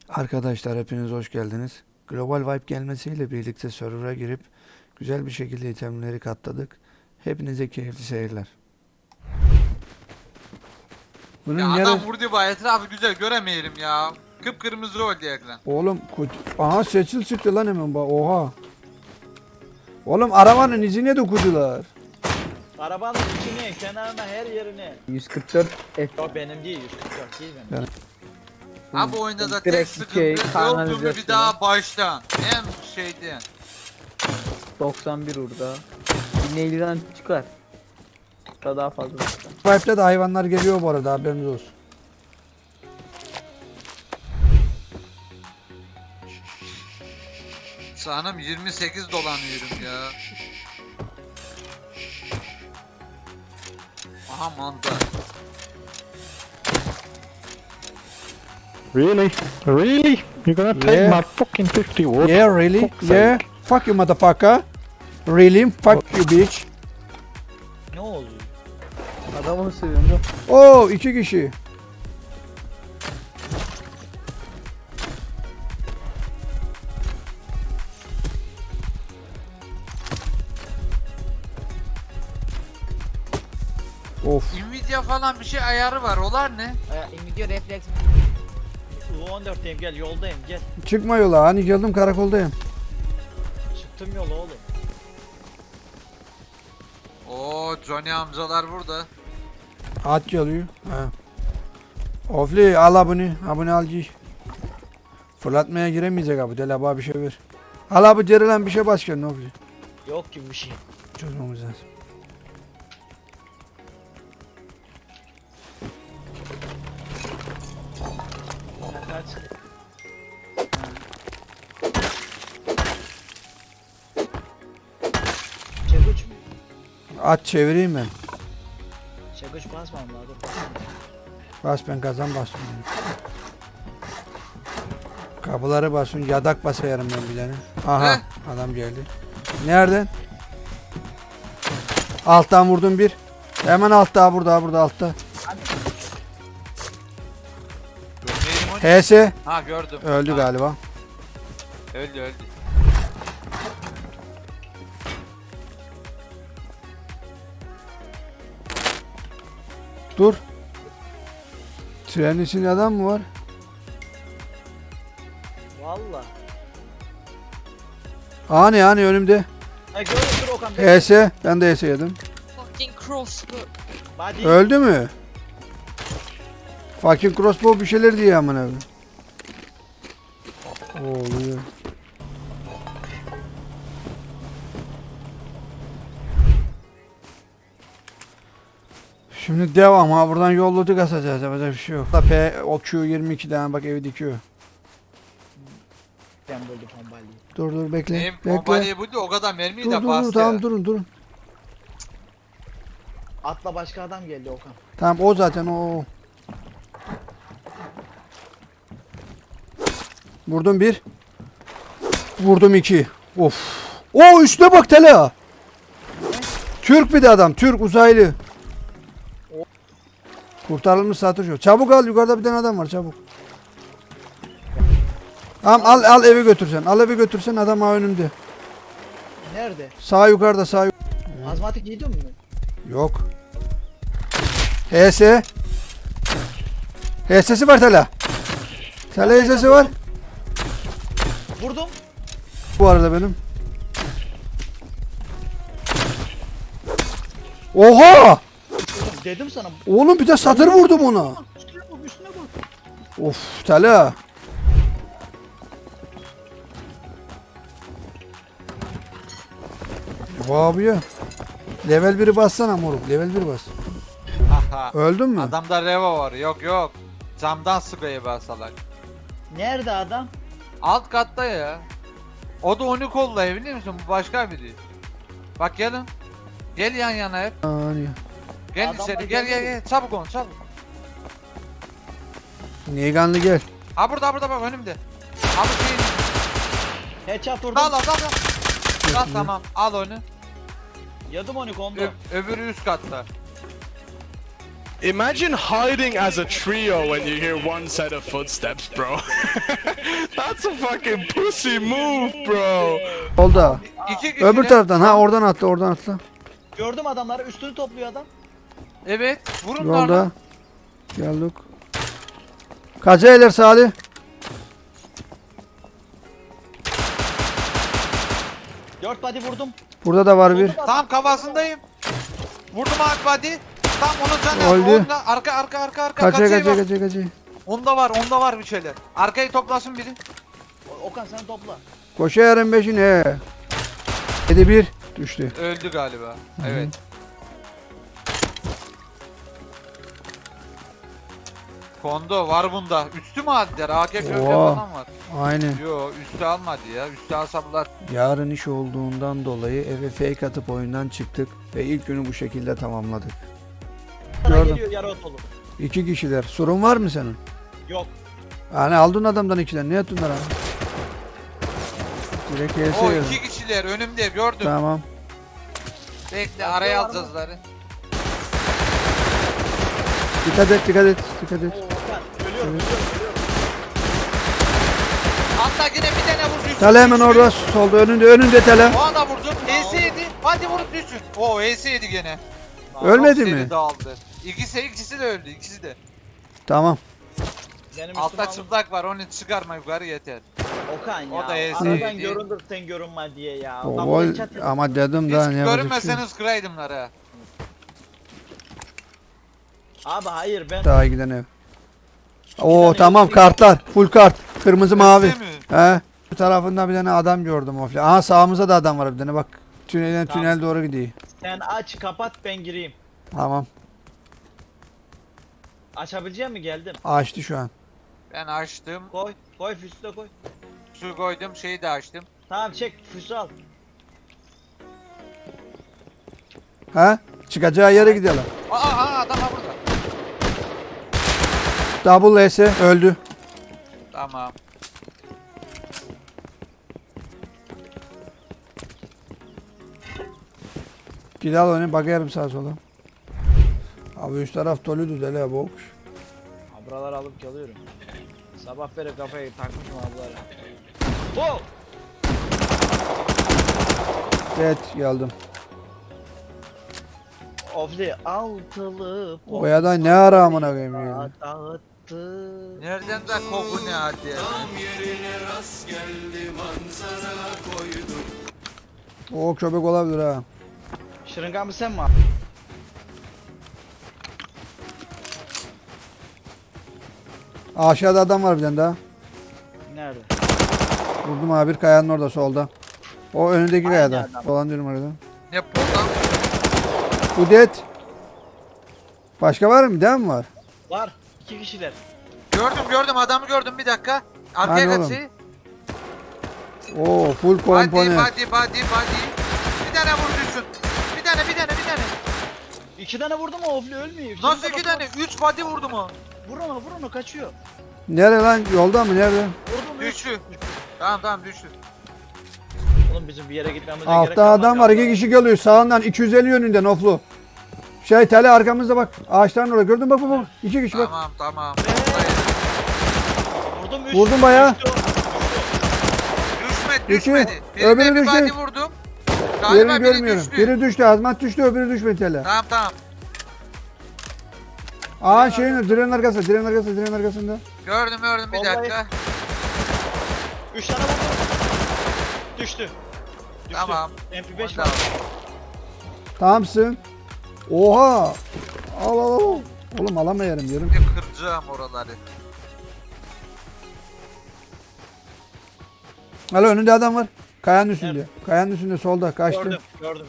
Arkadaşlar hepiniz hoş geldiniz. Global Vibe gelmesiyle birlikte server'a girip güzel bir şekilde itemleri katladık. Hepinize keyifli seyirler. Bunun Ya nere... adam vurdu bu etrafı güzel göremeyelim ya. Kıpkırmızı oldu ekran. Oğlum aha seçil çıktı lan hemen bak oha. Oğlum arabanın izine dokudular. Arabanın içine, kenarına, her yerine. 144 F. O benim değil, 144 değil benim. Ha bu oyunda da tek Direkt sıkıntı şey, öldüğümü bir kanalizasyonu. daha baştan. En şeydi. 91 orada. Bir neyliden çıkar. Daha fazla çıkar. Vibe'de de hayvanlar geliyor bu arada haberiniz olsun. Sanırım 28 dolanıyorum ya. Aha manda. Really? Really? You're gonna take Yeah. my fucking 50 wood? Yeah really? Fuck's Yeah. sake. Fuck you motherfucker. Really? Fuck you bitch. Ne oldu? Adamı seviyorum. Oo 2 kişi. Of. Nvidia falan bir şey ayarı var. Olar ne? Nvidia refleks. U14'teyim, gel yoldayım, gel. Çıkma yola. Hani geldim karakoldayım. Çıktım yola oğlum. Oo Johnny amcalar burada. At geliyor. Ha. Ofli al abone. Abone al giy. Fırlatmaya giremeyecek abi. Del abi bir şey ver. Al abi derilen bir şey bas kendine Ofli. Yok gibi bir şey. Çözmemiz lazım. Kaç. Çekuç mu? At çevireyim ben. Çekuç basmam lazım. Bas ben kazan basıyorum. Kapıları basın. Yadak basayarım ben bir tane. Aha adam geldi. Nereden? Alttan vurdum bir. Hemen altta burada altta. Görmeyelim onu. HS Ha gördüm. öldü Ha, galiba. Öldü. Dur. Trenin içinde adam mı var? Valla. Hani önümde. Ha görürsün Okan Bey. HS ben de HS yedim. Fucking crossbow. Hadi. Öldü mü? Fucking crossbow bir şeyler diye aman abi. Oluyor. Şimdi devam ha buradan yolladık asacağız yapacak bir şey yok. P o Q22'den bak evi dikiyor. Ben buldum bombayı. Dur bekle. Benim Bekle. bombayı buydu o kadar mermiyi Dur de dur bastı. tamam durun. Atla başka adam geldi Okan. Tamam o zaten o. Vurdum bir. Vurdum iki. Of. O üstüne bak Tela. Türk bir de adam. Türk uzaylı. Kurtarılmış satış o. Çabuk al yukarıda bir tane adam var çabuk. Tamam al eve götürsen. Al eve götürsen adam ha önümde. Nerede? Sağ yukarıda sağ Azmatik yedin mi? Yok. HS. HS'si var Tela. Tela HS'si var. Vurdum. Bu arada benim. Oha! Dedim sana. Oğlum bir de satır vurdum ona. Üstüne bak, üstüne bak. Of Tela. Abi ya. Level 1'i bassana moruk. Level 1 bas. Haha. Öldün mü? Adamda reva var. Yok. Camdan sprey basalak. Nerede adam? Alt katta ya. O da onu kollayı biliyor musun? Bu başka biri. Bak gelin. Gel yan yana hep. Hani. Gel Adamlar içeri geldi. gel. Çabuk olun çabuk. Niganlı gel. Ha burada bak önümde. Abi şey. Headshot vurdum. Dal. Dal tamam al onu. Yadım onu kondu. Öbürü üst katta. Imagine hiding as a trio when you hear one set of footsteps, bro. That's a fucking pussy move, bro. Solda. İki kişi. Öbür taraftan ha oradan atla oradan atla. Gördüm adamları, üstünü topluyor adam. Evet. Vurun Yolda. lan. Geldik. Kaça eler Salih? Dört body vurdum. Burada da var bir. Tam kafasındayım. Vurdum abi body. Tam onun canı. Öldü. Onda arka. Kaça Kaçayı kaça bak. kaça kaça. Onda var bir şeyler. Arkayı toplasın biri. Okan sen topla. Koşa yarın 5'in he. 7-1 düştü. Öldü galiba. Evet. Kondo var bunda. Üstü mü aldılar? AK köprü Oo. falan var. Aynen. Yo üstü almadı ya. Üstü alsalar. Yarın iş olduğundan dolayı eve fake atıp oyundan çıktık ve ilk günü bu şekilde tamamladık. Sana Gördüm. geliyor yarı otolu. 2 kişiler. Sorun var mı senin? Yok. Yani aldın adamdan 2'den. Ne yaptın lan? Direkt HS O yazın. 2 kişiler önümde gördüm. Tamam. Bekle araya alacağızları. Dikkat et dikkat et. Dikkat et. Oo, Okan ölüyorum. Evet. Hatta yine bir tane vur düşsün. Tele hemen orada solda önünde tele. O anda vurdum. HS yedi. Hadi vurup düşsün. O HS yedi gene. Ölmedi Çok mi? seri dağıldı. İkisi de öldü. İkisi de. Tamam. Benim Altta üstüme çıplak var. Onu çıkarma yukarı yeter. Okan ya. O da ESC Aradan değil. göründür sen görünme diye ya. O Lan gol bu chat- ama dedim Hiç daha ne yapacak bir şey yok. görünmeseniz kıraydımlar ha. Abi hayır ben Daha giden ev. Oo tamam kartlar. Full kart. Kırmızı mavi. Öyle mi? He. Bu tarafında bir tane adam gördüm ofli. Aha sağımızda da adam var bir tane bak. Tünelden Tamam. tünel doğru gidiyor. sen aç kapat ben gireyim. Tamam. Açabilecek mi geldim? Açtı şu an. Ben açtım. Koy füsü de koy. Su koydum. Şeyi de açtım. Tamam çek füsü al. He? Çıkacağı yere gidelim. Aa adam var burada. Double S öldü. Tamam. Gidal onu bakarım sağa sola. Abi üst taraf doluydu dele boş. Ha, buraları alıp çalıyorum. Sabah beri kafayı takmışım ablara. Oh! Evet geldim. Ofli altılı O ya da ne ara amına koyayım ya. dağıttı. Nereden de koku ne hadi ya. O köpek olabilir ha. Şırıngamı sen mi? Aşağıda adam var bir tane daha. Nerede? Vurdum abi bir kayanın orada solda. O önündeki Aynı kayada. adam. Dolan diyorum orada. Ne buradan? Bu dead. Başka var mı? Devam mı var? Var. 2 kişiler. Gördüm adamı gördüm bir dakika. Hani Arkaya oğlum? kaçıyor. Oo full Body. komponent. Bir tane vur düşsün. Bir tane. 2 tane vurdu mu Ofli ölmüyor. Nasıl Şırınga 2 bak- tane? 3 body vurdu mu? Vur onu kaçıyor. Nerede lan? Yolda mı? Nerede? Vurdum Düştü. Tamam düştü. Oğlum bizim bir yere gitmemize gerek Altta kalmadı adam var. ya. 2 kişi geliyor. Sağından 250 yönünden oflu. Şey tele arkamızda bak. Ağaçların orada. Gördün bak bak. 2 kişi bak. Tamam. Vurdum 3. Vurdum bayağı. Düşmedi. Öbürü Birine bir düştü. body vurdum. Galiba Yerini biri görmüyorum. düştü. Biri düştü. Azmat düştü. Öbürü düşmedi tele. Tamam. Aa şeyin direnin arkasında. Gördüm bir Vallahi- dakika. 3 tane vurdum. Düştü. Tamam. MP5 Onda var. Tamamsın. Oha. Al. Oğlum alamayarım diyorum. Bir kıracağım oraları. Alo önünde adam var. Kayanın üstünde. Kayanın üstünde solda kaçtı. Gördüm.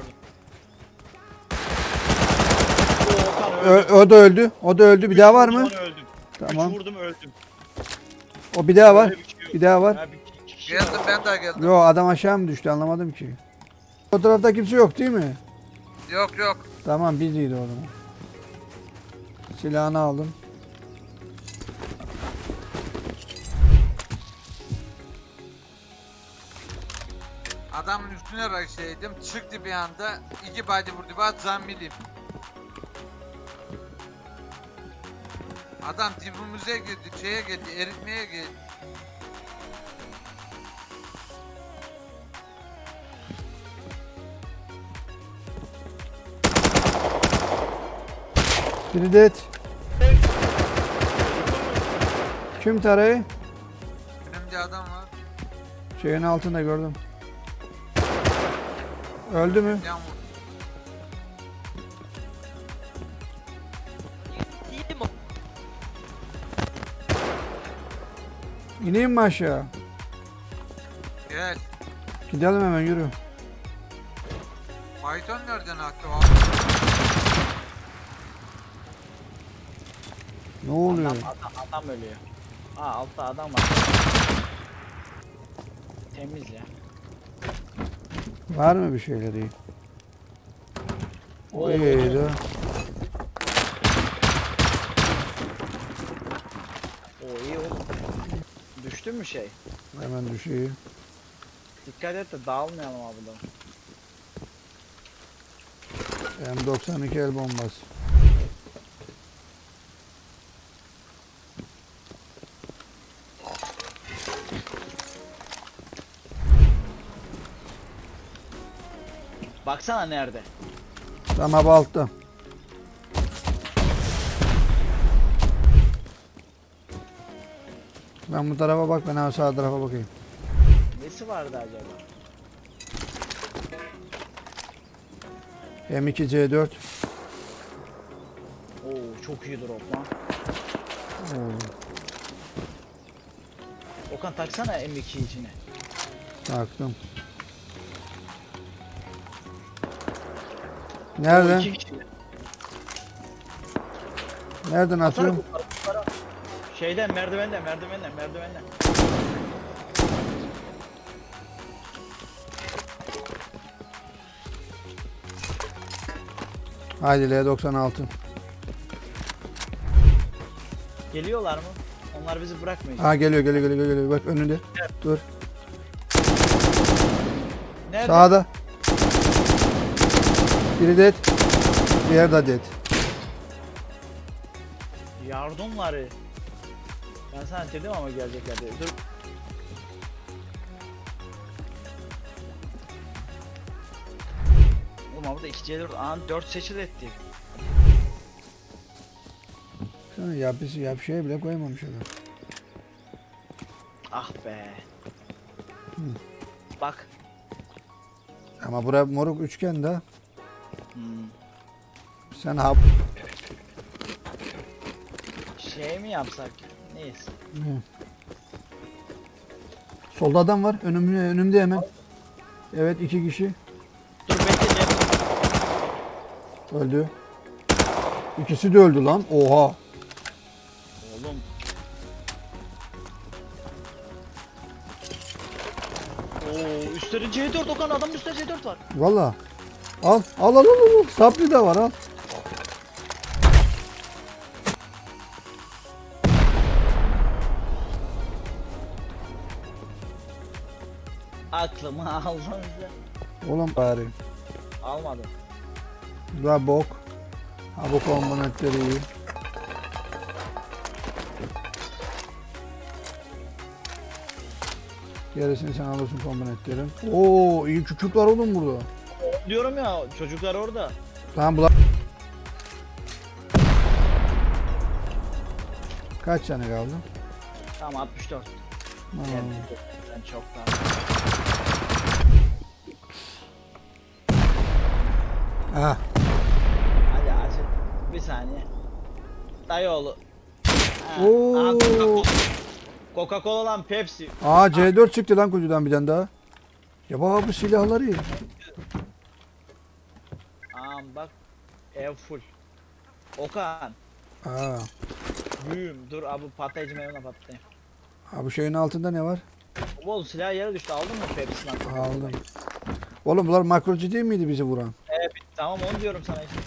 Oo, Okan öldü. O da öldü. Bir daha var mı? Sonra öldüm. Tamam. 3 vurdum öldüm. O bir daha var. Öyle bir şey yok. Bir daha var. Ha, bir kişi Geldim var. ben de geldim. Yo adam aşağı mı düştü anlamadım ki. O tarafta kimse yok değil mi? Yok. Tamam biziydi o zaman. Silahını aldım. Adamın üstüne raşlaydım. Çıktı bir anda. 2 body vurdu. Bak zambiliyim. Adam dibimize girdi, şeye geldi, eritmeye geldi. Biri de et. Kim tarayı? Önümde adam var. Şeyin altında gördüm. Öldü mü? Yan vur. Değilim o. İneyim mi aşağı? Gel. Gidelim hemen yürü. Python nereden attı abi? Ne oluyor? Adam ölüyor. Aa altta adam var. Temiz ya. Var mı bir şeyleri? Oo. Oydu. Oo iyi oğlum. Düştü mü şey? Hemen düşüyor. Dikkat et de dağılmayalım abi da. M92 el bombası. Baksana nerede? Tamam abi altta. Ben bu tarafa bak, ben abi sağ tarafa bakayım. Nesi vardı acaba? M2C4. Oo çok iyi drop lan. Oo, Okan taksana M2 içine. taktım. Oo, Nereden? iki kişi. Nereden atıyorum? Şeyden merdivenden. Haydi L96. Geliyorlar mı? Onlar bizi bırakmayacak. Ha geliyor. Bak önünde. Dur. Nerede? Sağda. Biri dead. Diğer de dead. Yardımları. Ben sana dedim ama gelecekler diye. Dur. Oğlum burada 2C4 an 4 seçil etti. Sana bir şey bile koymamış adam. Ah be. Hı. Bak. Ama bura moruk üçgen de. Hmm. Sen hap. Şey mi yapsak? Neyse. Solda adam var. Önümde hemen. Evet, 2 kişi. Dur bekle. Öldü. İkisi de öldü lan. Oha. Oğlum. Oo üstleri C4 Okan adamın üstünde C4 var. Valla. Al. Sapli de var al. Aklımı aldın sen. Oğlum bari. Almadım. La bok. Ha bu komponentleri iyi. Gerisini sen alırsın komponentlerin. Oo, iyi küçük var oğlum burada. Diyorum ya çocuklar orada. Tamam bu. Kaç tane kaldı? Tamam 64. Aa, Sen çok daha. Ha. Hadi acil. Bir saniye. Dayıoğlu. Ha, Oo. aha, Coca-Cola. Coca-Cola lan Pepsi. Aa, C4 çıktı lan kutudan bir tane daha. Ya baba bu silahları iyi. Bak. Ev full. Okan. Aa. Büyüm. Dur abi patlayıcı mevına patlayayım. Ha bu şeyin altında ne var? Oğlum silah yere düştü aldın mı Pepsi lan? Aldım. Oğlum bunlar makrocu değil miydi bizi vuran? Evet tamam onu diyorum sana işte.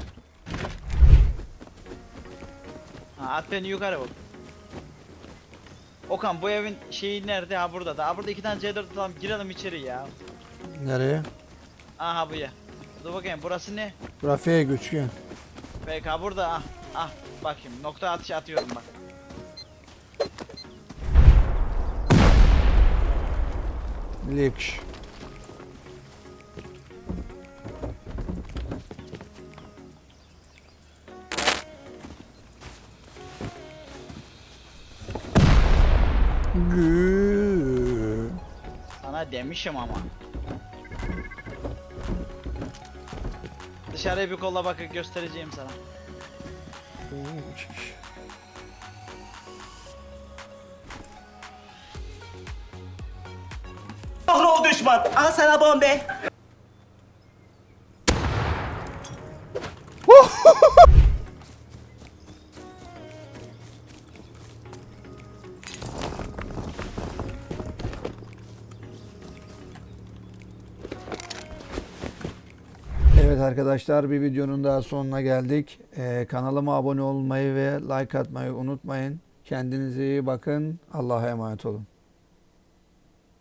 Ha, at beni yukarı bak. Okan bu evin şeyi nerede? Ha burada da. Ha burada 2 tane C4 atalım girelim içeri ya. Nereye? Aha bu ya. Dur bakayım burası ne? Bura F üçgen. PK burada ah. Ah bak şimdi nokta atışı atıyorum bak. Lik. Gü. Sana demişim ama. Dışarıya bir kolla bakıp göstereceğim sana. Kahrol düşman. Al sana bombe. Evet arkadaşlar, bir videonun daha sonuna geldik. Kanalıma abone olmayı ve like atmayı unutmayın. Kendinize iyi bakın. Allah'a emanet olun.